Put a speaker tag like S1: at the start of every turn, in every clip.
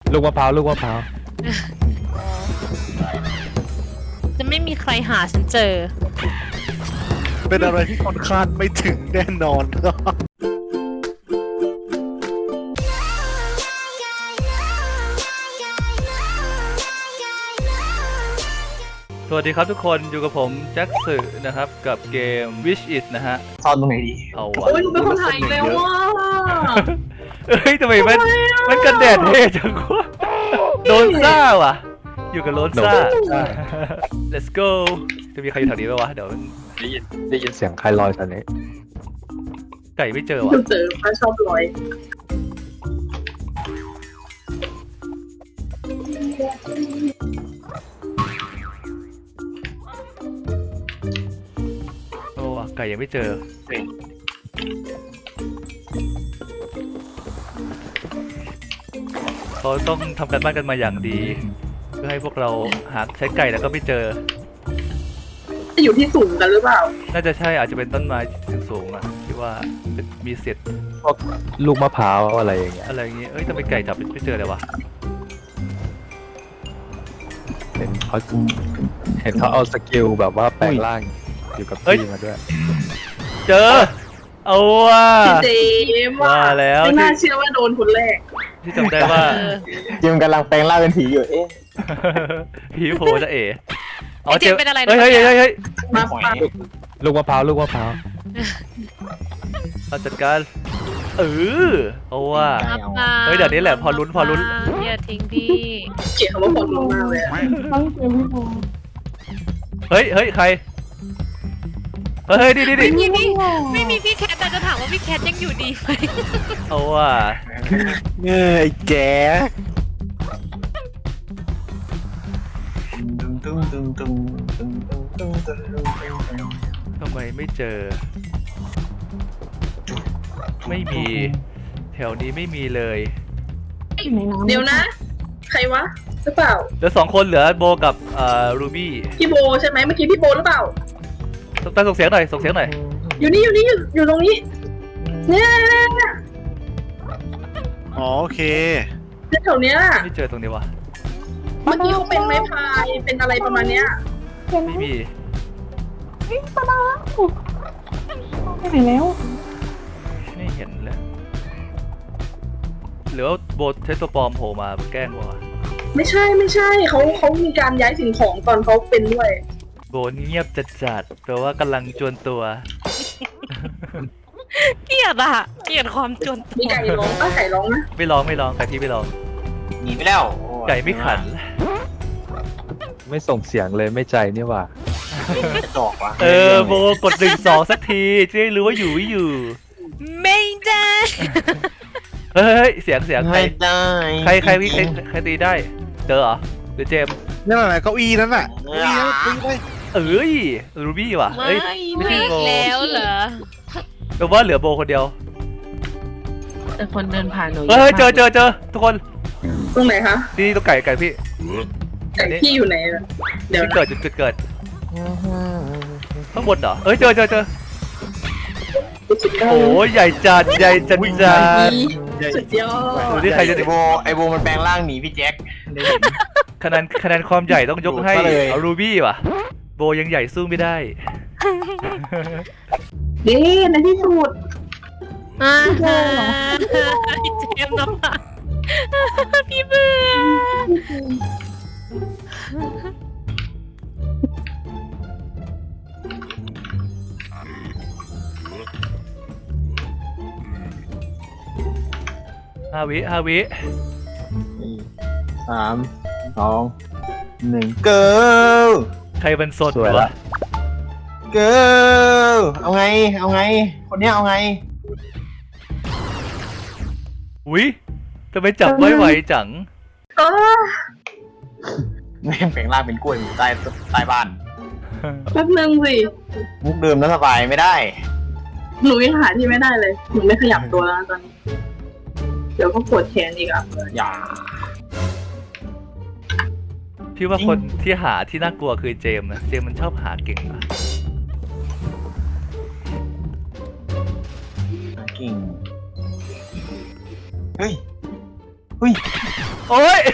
S1: ลูกมะพร้าวลูกมะพร้าว
S2: จะไม่มีใครหาฉันเจอ
S3: เป็นอะไรที่ค่อนข้างไม่ถึงแน่นอน
S4: สวัสดีครับทุกคนอยู่กับผมแจ็คสึนะครับกับเกม Wish It นะฮะ
S5: ซ่อนตรงไหนดี
S4: เอาวะ
S6: โอ้ยหนูเป็นคนไทยแล้วว่ะ
S4: เอ้ยทำไมมันกันแดดเท่จังวะโดนซ่าว่ะ อยู่กับโดนซ่า let's go จะมีใครอยู่แถวนี้ไหมวะเดี๋ยว
S1: ได้ยินเสียงใครลอยตอนนี้
S4: ไก่ไม่เจอ
S6: หนู
S4: ว่ะ
S6: เจอป้าชอบลอย
S4: โอ้ว่ะไก่ยังไม่เจอเขาต้องทำการบ้านกันมาอย่างดี เพื่อให้พวกเราหาใช้ไก่แล้วก็ไม่เจอ
S6: จะอยู่ที่สูงกันหรือเปล่า
S4: น่าจะใช่อาจจะเป็นต้นไม้สูงๆอ่ะที่ว่าเป็นมีเศษ
S1: พวกลูกมะพร้าวอะไรอย่างเงี้ย
S4: อะไรอย่างงี้เอ้ยทำไมไก่จับไม่เจอเลยวะ
S1: เห็นเขาเอาสกิลแบบว่าแปลงร่างอยู่กับที่มาด้วย
S4: เจอ เอาว่ะ
S6: พี่เจมส์
S4: ว่าแล้ว
S6: ไม่น่าเชื่อว่าโดนคนแรก
S4: ที่จำได้ว่า
S5: จิมกำลังแปลงร่างเป็นผีอยู่ เอ๊ะ
S4: ผีโผจะเอ๋
S2: ไอ้เจมส์เป็นอะไรนะ
S4: เฮ้ยเฮ้ย
S6: มาปะ
S1: ลูกมะพร้าวลูกมะพร้าว
S4: เอาจัดการเอาว่ะ
S2: ครับมา
S4: เฮ้ยเดี๋ยวนี้แหละพอลุ้น
S2: อย่าทิ้งพี่
S6: เกลียดคำว่าผลลงมากเลยอะ
S4: เฮ้ยใครเฮ้ยดิ
S2: ไม่มีพี่ไม่มีพี่แคทแต่จะถามว่าพี่แคทยังอยู่ดีไหม
S4: เอาว่ะ
S3: เงยแก
S4: ทำไมไม่เจอ ไม่มีแถวนี้ไม่มีเลย
S6: เดี๋ยวนะ ใครวะหรือเปล่า
S4: เหลือ2 คนเหลือโบกับรูบี้
S6: พี่โบใช่ไหมเมื่อกี้พี่โบหรือเปล่า
S4: ต้องส่งเสียงหน่อย
S6: อยู่นี่อยู่ตรงนี้เนี่ย
S3: อ๋อโอเค
S6: แถวเนี้ย
S4: ไม่เจอตรงนี้วะ
S6: เมื่อกี้เขาเป็นไม้พายเป็นอะไรประมาณเนี้ย
S4: ไม่มี
S7: ไปไหนแล้ว
S4: ไม่เห็นเลยหรือว่าโบใช้ตัวปลอมโผล่มาแกล้งวะ
S6: ไม่ใช่เขามีการย้ายสิ่งของตอนเขาเป็นด้วย
S4: โบเงียบจัดแปลว่ากำลังจวนตัว
S2: เกลียดความจน
S6: มีไก่ร้องป้าไก่ร้องนะ
S4: ไม่ร้องไก่พี่ไม่ร้อง
S5: หนีไปแล้ว
S4: ไก่ไม่ขัน
S1: ไม่ส่งเสียงเลยไม่ใจนี่หว่า
S5: จะจอกวะ
S4: โบกด1 2สักทีจะได้รู้ว่าอยู่ไม่อยู่
S2: ไม่ได้
S4: เฮ้ยเสียงใคร
S5: ไม่ได้
S4: ใครตีได้เจอเหรอหรือเจมส์
S3: นั่นแหละเก้าอี้นั่นน่ะเก้าอี้นั่นตีไป
S4: รูบี้ว่ะ
S2: ไม่
S4: เอ้ย
S2: ไม่แล้วเหรอ
S4: แปลว่าเหลือโบคนเดียว
S7: แต่คนเดินผ่านหนู
S4: เฮ้ยเจอทุกคน
S6: ตรงไหนคะ
S4: นี่ตัวไก่พี่
S6: ไก่พี่อยู่ไหนอะเดี๋ยว
S4: ที่
S6: นะ
S4: เกิดจุดเกิดข้างบนเหรอเอ้ยเจอโอ้ยใหญ่จัด
S6: สุดยอ
S4: ดู
S6: ด
S4: ที่ใครจะ
S5: ไอโบมันแปลงร่างหนีพี่แจ็ค
S4: คะแนนความใหญ่ต้องยกให้เอารูบี้ว่ะโบยังใหญ่สู้ไม่ได้
S6: เด้ในที่สุด
S2: อ่าฮะไอ้เจมส์น้ำตาพี่เบื่อ
S4: 5 วิ
S5: 3 2 1 go
S4: ใครเป็นสด
S1: สวย
S4: วะ
S1: ละ
S5: go เอาไงคนเนี้ยเอาไง
S4: อุ้ยทำไมจับไม่ไหวจัง
S6: อ๋อ
S5: แม่งแปลงร่างเป็นกล้วยอยู่ใต้บ้าน
S6: แป๊บนึงสิ
S5: มุกเดิมแล้วสบายไม่ได้
S6: หนูยังหาที่ไม่ได้เลยหนูไม่ขยับตัวแล้วนะตอนนี้ เดี๋ยวก็ปวดแขนอีกอ่ะ
S5: อย่า
S4: พี่ว่าคนที่หาที่น่ากลัวคือเจมส์นะเจมส์มันชอบหาเก่งอะ
S5: กิ่งเฮ้ยเฮ้ย
S4: โอ้ย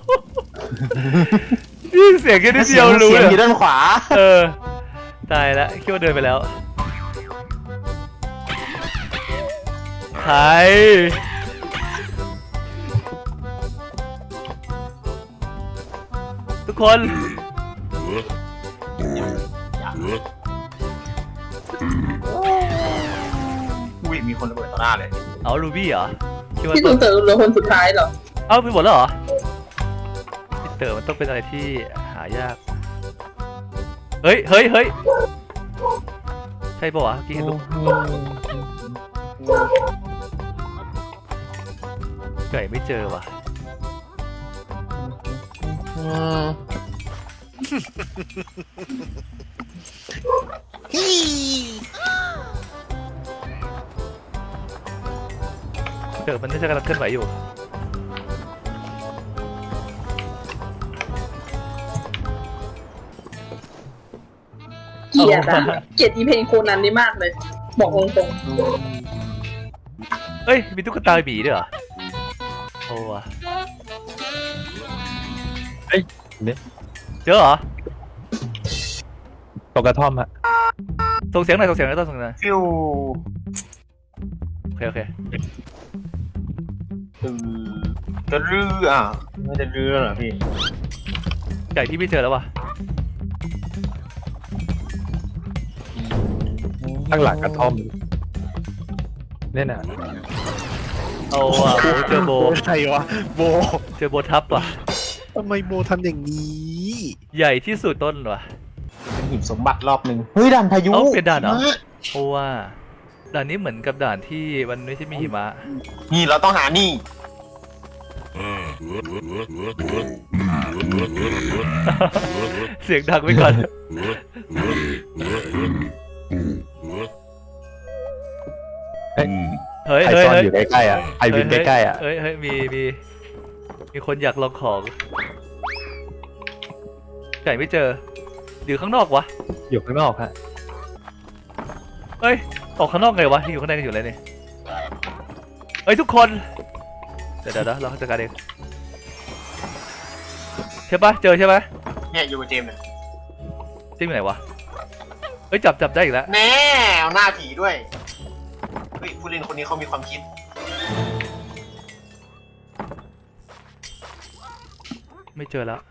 S4: นี่เสียงแค่นิดเดียวรู้
S5: เสี
S4: เลย
S5: งอยู่ด้านขวา
S4: ตายแล้วคิดว่าเดินไปแล้วใครทุกคน
S5: อุ้ยมีคนระเบิดต่อหน้าเลย
S4: เอาลูบี้เหรอคิดว่า
S6: พี่ตูนเต๋อเหลือคนสุดท้ายเหรอ
S4: เอาไปหมดแล้วเหรอพี่เต๋อมันต้องเป็นอะไรที่หายากเฮ้ยใช่ป่าวะเมื่อกี้เห็นลูกไก่ไม่เจอว่ะเต๋อมันน่าจะกำลังเคลื่อนไหวอยู่
S6: เกลียดอะเกลียดอีเพลงโคนันนี่มากเลย บอกตรง
S4: เฮ้ยมีตุ๊กตาบีด้วยเหรอโอ้ว่ะ
S1: เนี่ย
S4: เจอเหรอ
S1: ตกกระท่อมฮะ
S4: ส่งเสียงหน่อยส่งเสียงหน่อย
S5: ฟิว
S4: โอเค
S5: จะรื้ออ่ะไม่จะรื้อเหรอพี่
S4: ไก่ที่ไม่เจอแล้วว่ะ
S1: ข้างหลังกระท่อมเนี่ยน่ะ
S4: เอาว่ะโอ้เจอโบ
S3: ใครวะโบ
S4: เจอโบทับว่ะ
S3: ทำไมโบทำอย่างนี้
S4: ใหญ่ที่สุดต้นว่ะ
S5: เป็นหิบสมบัติรอบหนึ่งเฮ้ยด่านพายุ
S4: เอ้าเป็นด่านเหรอ เพราะว่าด่านนี้เหมือนกับด่านที่มันไม่ใช่มีหิมะ
S5: นี่เราต้องหานี่
S4: เสียงดังไว้ก่อน เฮ้ย
S1: ใคร
S4: เฮ้ย
S1: ซ่อน
S4: เฮ้ย
S1: อยู่ใกล้ๆอ่ะใครวินใกล้ๆอ่ะ
S4: เฮ้ยมีคนอยากลองของไก่ไม่เจออยู่ข้างนอกวะ
S1: อยู่ข้างนอกฮะ
S4: เฮ้ยออกข้างนอกไงวะที่อยู่ข้างในกันอยู่เลยนี่เฮ้ยทุกคน เดี๋ยวเราจัดการเองใช่ปะเจอใช่ปะ
S5: เนี่ยอยู่กับเจมส์เนี่ย
S4: จิ้มอยู่ไหนวะเฮ้ยจับได้อีกแล้ว
S5: แน่เอาหน้าผีด้วยเฮ้ยผู้เล่นคนนี้เขามีความคิด
S4: ไม่เจอแล้ว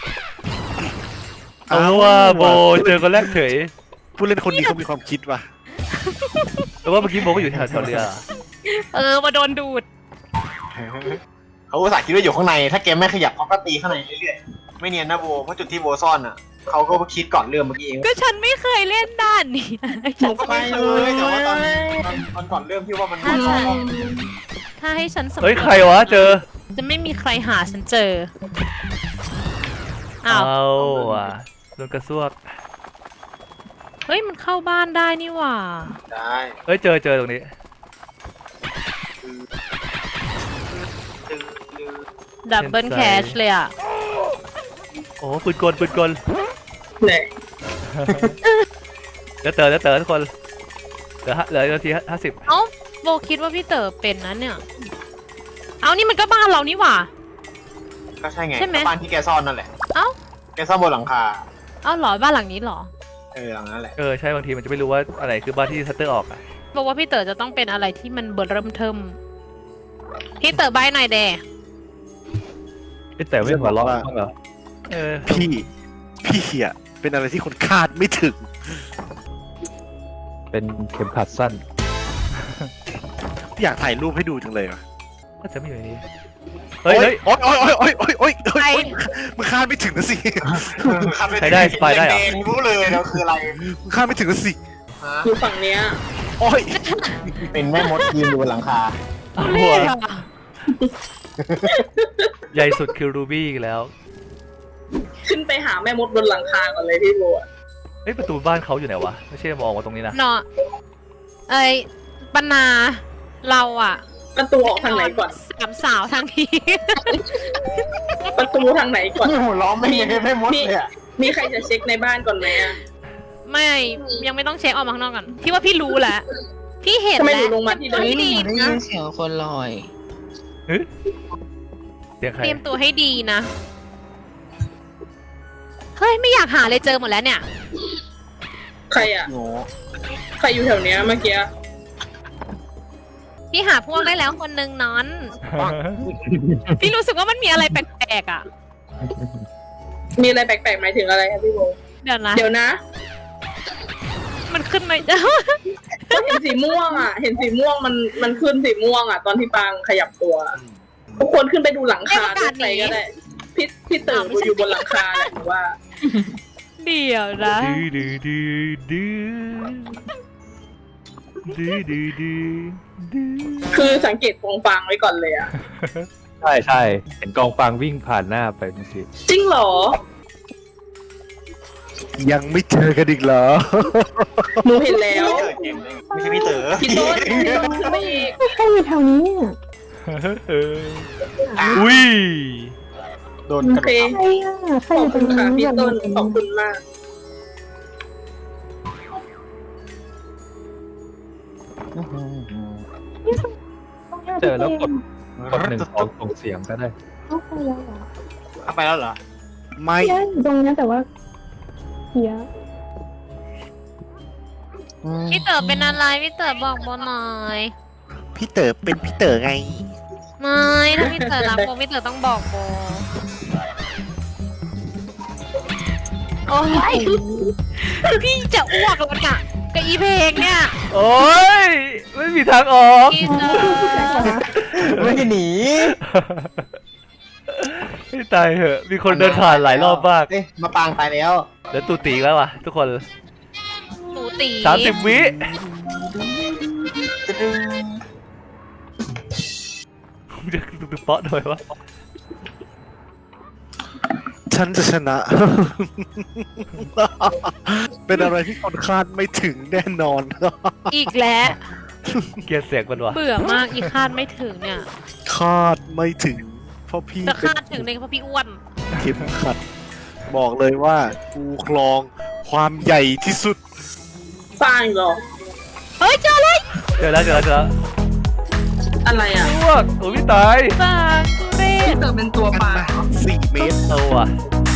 S4: เอาว่าโบเจอคนแรกเฉย
S3: ผู้เล่นคนนี้เขามีความคิดว่ะ
S4: แต่ว่าเมื่อกี้โบก็อยู่แถวเรือ
S2: มาโดนดูด
S5: เขาอุตส่าห์คิดว่าอยู่ข้างในถ้าเกมไม่ขยับเขาก็ตีข้างในเรื่อยๆไม่เนียนนะโบเพราะจุดที่โบซ่อนอ่ะเขาก็คิดก่อนเรื่องเมื่อกี้เอง
S2: ก็ฉันไม่เคยเล่นด้านนี้นะ
S5: ผมก็ไม่เลยแต่ว่าตอนก่อนเริ่มพี่ว่ามันซ่อน
S2: ถ้าให้ฉันสำรวจ
S4: เฮ้ยใครวะเจอ
S2: จะไม่มีใครหาฉันเจอ อ้าว
S4: เอาว่ะโดนกระซวก
S2: เฮ้ยมันเข้าบ้านได้นี่หว่า
S5: ได้
S4: เฮ้ยเจอตรงนี้
S2: ดับเบิลแคชเลยอ่ะ
S4: โอ้ปืนกล
S6: ๆเนี่ย
S4: เดี๋ยวเต๋อทุกคนเหลือนาที50
S2: เอ้าโบคิดว่าพี่เต๋อเป็นนะเนี่ย เอานี่มันก็บ้านเรานี่หว่า
S5: ก็ใช่ไง
S2: ใช่ไหม
S5: บ้านที่แกซ่อนนั่นแหละ
S2: เอ้า
S5: แกซ่อนบนหลังคา
S2: เอ้าเหรอบ้านหลังนี้เหรอ
S5: หลังนั้นแหละ
S4: ใช่บางทีมันจะไม่รู้ว่าอะไรคือบ้านที่ทัตเตอร์ออกอ่ะ
S2: บอกว่าพี่เต๋อจะต้องเป็นอะไรที่มันเบิ่มเทิมพี่เต๋อใบหน่อยแด
S1: แต่ไม่หัวเราะบ้างเหรอ
S3: พี่อ่ะเป็นอะไรที่คนคาดไม่ถึง
S1: เป็นเข็มขัดสั้น
S3: อยากถ่ายรูปให้ดูจังเลยว่ะ
S4: ก็จะไม่อยู่ในนี้เฮ้ย
S3: โอ๊ยมึงคาดไม่ถึงนะสิ
S4: ใช้ได้สปายได้เหรอ
S5: แงรู้เลยแล้วคืออะไร
S3: มึงคาดไม่ถึงนะสิ
S5: ฮะ
S6: อยู่ฝั่งเนี้ย
S3: โอ๊ย
S5: เป็นแม่มดยืนอยู่บนหลังคา
S4: หัวใหญ่สุดคือรูบี้อีกแล้ว
S6: ขึ้นไปหาแม่มดบนหลังคาก่อนเลยพี่โบอะ
S4: เฮ้ยประตูบ้านเขาอยู่ไหนวะไม่ใช่มองมาตรงนี้นะ
S2: เนาะบรรณาเราอะ
S6: ประตูออกทางไหนก่อน
S2: สามสาวทางนี้
S6: ประตูทางไหนก่อน
S5: หัวล้อไม่ยังแม่มดเลยอ่ะ
S6: มีใครจะเช็คในบ้านก่อนไหมอะ
S2: ไม่ยังไม่ต้องเช็คออกมาข้างนอกก่อนพี่ว่าพี่รู้แหละพี่เห็น
S6: ทำไม
S2: แล้ว
S6: หนูลงมาที่เดิม
S2: พี่ดี
S7: ได้
S2: นะ
S7: ยินเสียงคนลอย
S4: เสียงใคร
S2: เตรียมตัวให้ดีนะ เฮ้ย ไม่อยากหาเลยเจอหมดแล้วเนี่ย
S6: ใครอ่ะ
S5: โง่
S6: ใครอยู่แถวเนี้ยเมื่อกี้
S2: พี่หาพวกได้แล้วคนนึงนอน พี่รู้สึกว่ามันมีอะไรแปลกๆอ่ะ
S6: มีอะไรแปลกๆหมายถึงอะไรครับพี่โบ
S2: เดี๋ยวนะ
S6: เดี๋ยวนะ
S2: มันขึ้นมา
S6: ก็เห็นสีม่วงอ่ะ เห็นสีม่วงมันขึ้นสีม่วงอ่ะ ตอนที่ปางขยับตัว ทุกคนขึ้นไปดูหลังคาด้วยใครก็ได้พี่ตื่นอยู่บนหลังคาแหละหรือว่า
S2: เดี๋ยวนะ
S4: ดื้อดื้อดื้อดื้อดื้อดื้อดื้อ
S6: คือสังเกตกองฟางไว้ก่อนเลยอ่ะ
S1: ใช่ใช่เห็นกองฟางวิ่งผ่านหน้าไปเมื่อกี้
S6: จริงเหรอ
S3: ยังไม่เจอกันอีกเหรอ
S6: หนูเห็นแล้ว
S5: ไม่ใช่พี่เต๋อ
S6: พี่ต้นขึ้นไปอีก
S7: ใครอยู่แถวนี้เนี่ย
S4: อุ้ย
S5: โดน
S6: โอก
S5: ระโด
S6: เค
S5: ด
S7: ใครอ่ะใคร
S6: ข
S7: อ
S6: อบ
S7: ยู่ตร
S6: คุ
S7: ง
S6: ณ
S7: นี้
S6: ค่ะพี่ต้นขอบคุณมาก
S1: เจอแล้วกด1 2ส่งเสียงก็ได้
S7: เข้าไปแล้วเหรอ
S5: เอาไปแล้วเหรอ
S3: ไม่
S7: เพี้ยอยู่ตรงเนี้ยแต่ว่าเพี้ย
S2: พี่เต๋อเป็นอะไร พี่เต๋อบอกโบหน่อย
S3: พี่เต๋อเป็นพี่เต๋อไง
S2: ไม่ถ้าพี่เต๋อรักโบพี่เต๋อต้องบอกโบโอ้ยพี่จะอ้วกแล้วเนี่ยกับอีเพลงเนี่ย
S4: โอ้ยไม่มีทางออก
S2: พี่เต๋อ
S5: ไม่ได้หนี
S4: ไม่ตายเหอะมีคนเดินผ่านหลายรอบมาก
S5: เอ้ยมาปางตายแล้ว
S4: แล้วตูตีแล้ววะทุกคน
S2: หนูตี
S4: 30 วิจะตึกเปาะหน่อยวะ
S3: ฉันจะชนะ เป็นอะไรที่คนคาดไม่ถึงแน่นอน
S2: อีกแล้ว
S4: เกลียดเสียงมันวะ
S2: เบื่อมากอีคาดไม่ถึงเนี่ย
S3: คาดไม่ถึง เพราะพี่
S2: จะ
S3: เป็น
S2: คาดถึงเลยเพราะพี่อ้วน
S3: เข็มขัด บอกเลยว่ากูครองความใหญ่ที่สุด
S6: ฟางเหรอ
S2: เฮ้ยเจอเลย
S4: เจอแล้ว
S6: อะไรอ่ะ
S4: ลวกโอ้ยไม่ตาย
S2: บางกุเร
S6: พี่
S2: ศ
S6: เต๋อเป็นตัวปลา
S3: 4 เมตร
S4: เอาว่ะ